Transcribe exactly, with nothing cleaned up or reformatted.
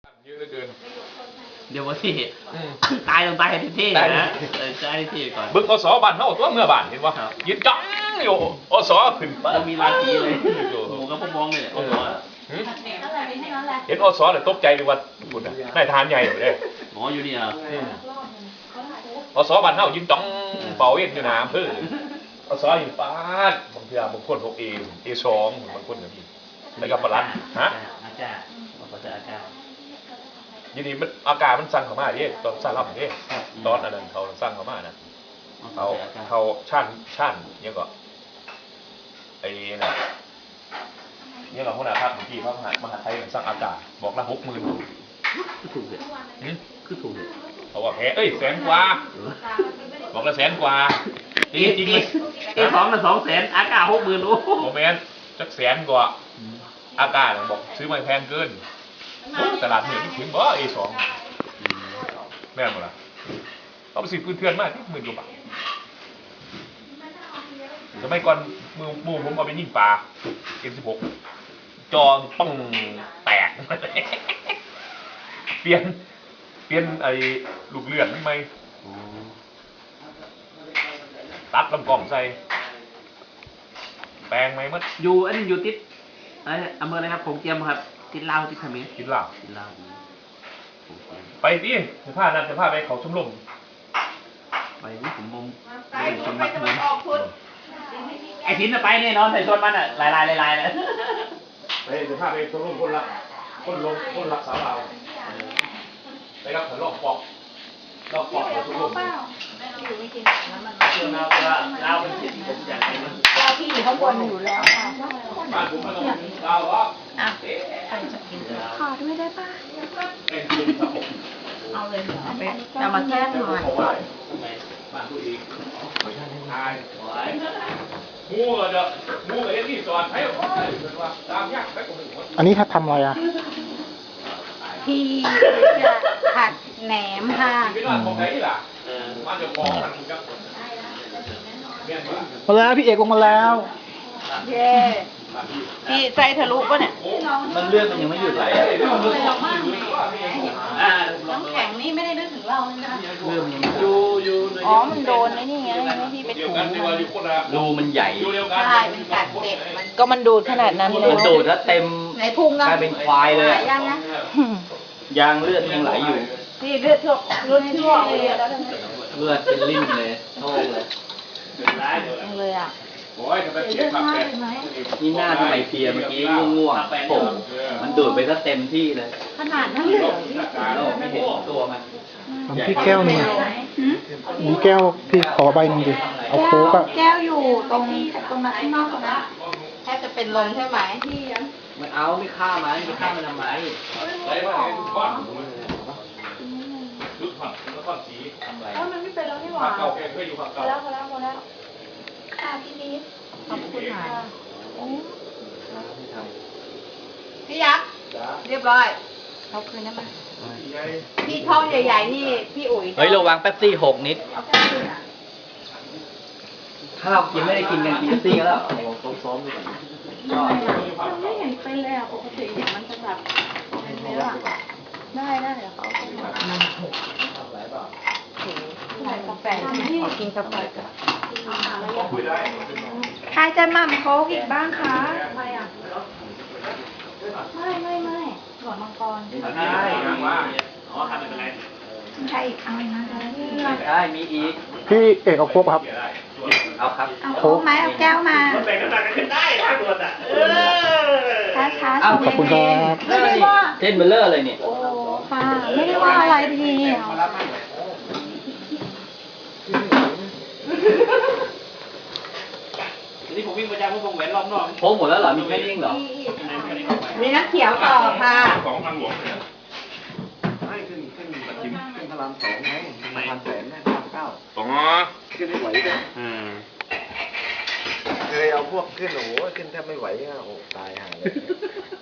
เยอะเหลือเกินเดี๋ยวว่าที่อืมตายลงตายให้เท่ตายๆนะเออตายให้เท่ก่อนเบิ่งอสบ้านเฮาตัวเมื่อบ้านเห็นบ่ครับยืนจ้องอยู่อสขึ้นแล้วมีราศีเลยอยู่หมูกับพวกมองเลยโอ้โหหืมเห็นอสแล้วตกใจเลยว่าบุญน่ะนายทหารใหญ่เลยเด้หมออยู่นี่อ่ะอืมอสบ้านเฮายืนจ้องเป่าเอ็นอยู่หน้าอำเภออสอยู่ปาดบางเทื่อบางคนพวก A A สองบางคนก็มีแล้วก็ปลัดฮะอาจารย์บอกว่าจะอาจารย์ยินดีมันอากาศมันสั่งเข้ามาดิตอนสั่งรับดิตอนอันนั้นเขาสั่งเข้ามานะเขาเขาชั่นชั่นเนี่ยก็ไอ้น่ะเนี่ยเราคนอาภาพของพี่พระมหามหาไทยสั่งอากาศบอกละหกหมื่นคือถูกเลยคือถูกเลยเขาว่าแพ้เอ้ยแสนกว่าบอกละแสนกว่าจริงจริงเลยเอสองละสองแสนอากาศหกหมื่นโอ้โมเมนต์จักแสนกว่าอากาศบอกซื้อมาแพงเกินตลาดเหนือถึงบ่เอสองแม่นหมดละเอาไปซื้อพื้นเทือนมากหมื่นกว่าบาทสมัยก่อนมือมือผมเอาไปยิงปลา เอ็ม สิบหก จอป้องแตก เปลี่ยนเปลี่ยนไอ้ลูกเลือดไหมตัดลำกล่องใส่แปลงไหมมัดอยู่อันนี้อยู่ติดไอ้อำเภออะไรครับผมเจียมครับติดลาวติดเขมรกินเหล้าติดลาวไปดิจะพานั่นจะพาไปเขาชมรมไปนี่ผมมองเป็นชนมัดทุนไอ้ทิ้นน่ะไปแน่นอนใส่ชนมันอ่ะลายลายลายลายเลยไปจะพาไปชมรมคนรักคนลงคนรักสาวเราไปรับผลลอกปอกลอกปอกของชมรมเราเราเป็นที่ผมอยากให้มันเราที่อยู่ข้างบนอยู่แล้วค่ะบ้านผมมันต้องเราเหรออ่ะขอด้วยได้ป่ะเป็นคุณครับผมเอาเลยเอาไปเอามาแก้หน่อยบอกว่าบ้านตัวเองตายมูก็จะมูกับเอ็นนี่สอนให้ว่าตามยากไปกว่าหนึ่งคนอันนี้ถ้าทำอะไรอ่ะพี่จะผัดแหนมค่ะไม่ว่าของไหนล่ะมาจะฟ้องกันครับเมียนมามาแล้วพี่เอกลงมาแล้วเย้พี่ใจทะลุป่ะเนี่ยมันเลือดมันยังไม่หยุดไหลอ่ะน้ำแข็งนี่ไม่ได้นึกถึงเราใช่ไหมเลือดมันยังอยู่อยู่อ๋อ มันโดนไอ้นี่ไงไม่ที่ไปเดียวถูกันดีกว่าอยู่คนละรูมันใหญ่อยู่เดียวกันใช่มันกัดเจ็บมันก็มันดูดขนาดนั้นเลยมันดูดแล้วเต็มในพุงกลายเป็นควายเลยอะยังนะยางเลือดยังไหลอยู่พี่เลือดทั่วเลือดทั่วเลยแล้วเลือดเป็นริ่มเลยโท่เลยยังเลยอ่ะโอ้ยทำไมเสียขับแกนี่หน้าทำไมเพลียเมื่อกี้ง่วงๆโผล่มันดูดไปซะเต็มที่เลยขนาดนั้นเลยเหรอเราไม่เห็นตัวมันทำพี่แก้วหนึ่งมีแก้วพี่ขอใบหนึ่งดิ เอาโค้กอะแก้วอยู่ตรงตรงนั้นข้างนอกนะแทบจะเป็นลมใช่ไหมที่มันเอาไม่ฆ่ามันไม่ฆ่ามันทำไมใส่มาให้ทุกคนชุดผัดแล้วก็สีทำไรเออมันไม่เป็นแล้วนี่หผัว่าดเก่าแกเคยอยู่ผัดพอเก่าแล้วพอแล้วพอแล้วค่ะพี่นิดขอบคุณค่ะโอ้พี่ยักษ์เรียบร้อยเอาคืนได้ไหมพี่ท้องใหญ่ๆนี่พี่อุ๋ยเฮ้ยระวังแป๊บซี่หกนิดเอาแค่คืนอ่ะถ้าเรากินไม่ได้กินกันกินแป๊บซี่กันแล้วซ้อมๆดูก่อนมันไม่เห็นเป็นเลยอ่ะปกติเนี่ยมันจะแบบเป็นเนื้ออะได้ได้เดี๋ยวเขาเอาไปใส่กาแฟที่กินกาแฟกันใครจะหม่ำโค้กอีกบ้างคะใครอ่ะไม่ไม่ไม่หลอดมังกรได้ว่าอ๋อทำไม่เป็นไรใครอีกเอาอีกนะคะได้มีอีกพี่เอกเอาโค้กครับเอาครับเอาโค้กไหมเอาแก้วมาแบ่งกันตักกันได้ถ้าตัวอ่ะเออช้าช้าเอาขอบคุณครับไม่ได้ว่าเส้นเบลเลอร์เลยเนี่ยโอ้ค่ะไม่ได้ว่าอะไรพี่นี่ผมวิ่งประจำผมวงแหวนรอบนอกโค้งหมดแล้วเหรอมีแค่นี้เองเหรอมีน้ำเขียวต่อค่ะของทางหลวงเนี่ยไม่ขึ้นขึ้นปัจจิมขึ้นพระรามสองไงพระรามแสนนะพระรามเก้าอ๋อขึ้นไม่ไหวเลยอืมเคยเอาพวกขึ้นโอ้โหขึ้นแทบไม่ไหวอ่ะโอ้ตายห่าเลย